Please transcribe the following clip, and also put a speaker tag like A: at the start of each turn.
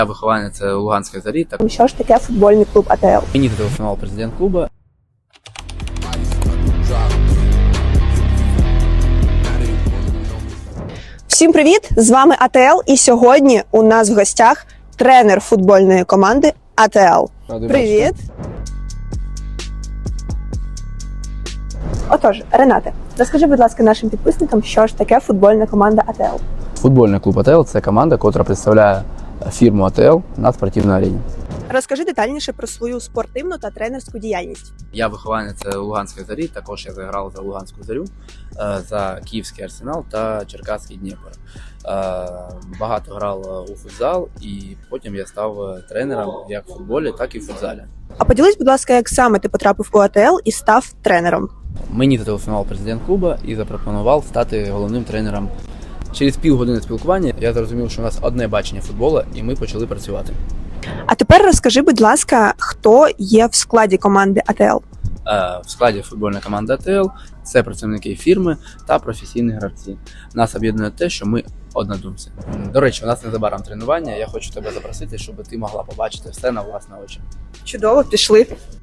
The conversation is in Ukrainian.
A: Я вихованець Луганської Зорі.
B: Що ж таке футбольний клуб АТЛ?
A: Мені зателефонував президент клубу.
B: Всім привіт! З вами АТЛ, і сьогодні у нас в гостях тренер футбольної команди АТЛ. Привіт! Отож, Ренате, розкажи, будь ласка, нашим підписникам, що ж таке футбольна команда АТЛ.
A: Футбольний клуб АТЛ – це команда, яка представляє фірму АТЛ на спортивній арені.
B: Розкажи детальніше про свою спортивну та тренерську діяльність.
A: Я вихованець Луганської Зорі, також я заграв за Луганську Зорю, за Київський Арсенал та Черкаський Дніпро. Багато грав у футзал і потім я став тренером як в футболі, так і в футзалі.
B: А поділись, будь ласка, як саме ти потрапив у АТЛ і став тренером?
A: Мені зателефонував президент клубу і запропонував стати головним тренером. Через півгодини спілкування я зрозумів, що у нас одне бачення футболу, і ми почали працювати.
B: А тепер розкажи, будь ласка, хто є в складі команди АТЛ?
A: В складі футбольної команди АТЛ це працівники фірми та професійні гравці. Нас об'єднує те, що ми однодумці. До речі, у нас незабаром тренування, я хочу тебе запросити, щоб ти могла побачити все на власні очі.
B: Чудово, пішли.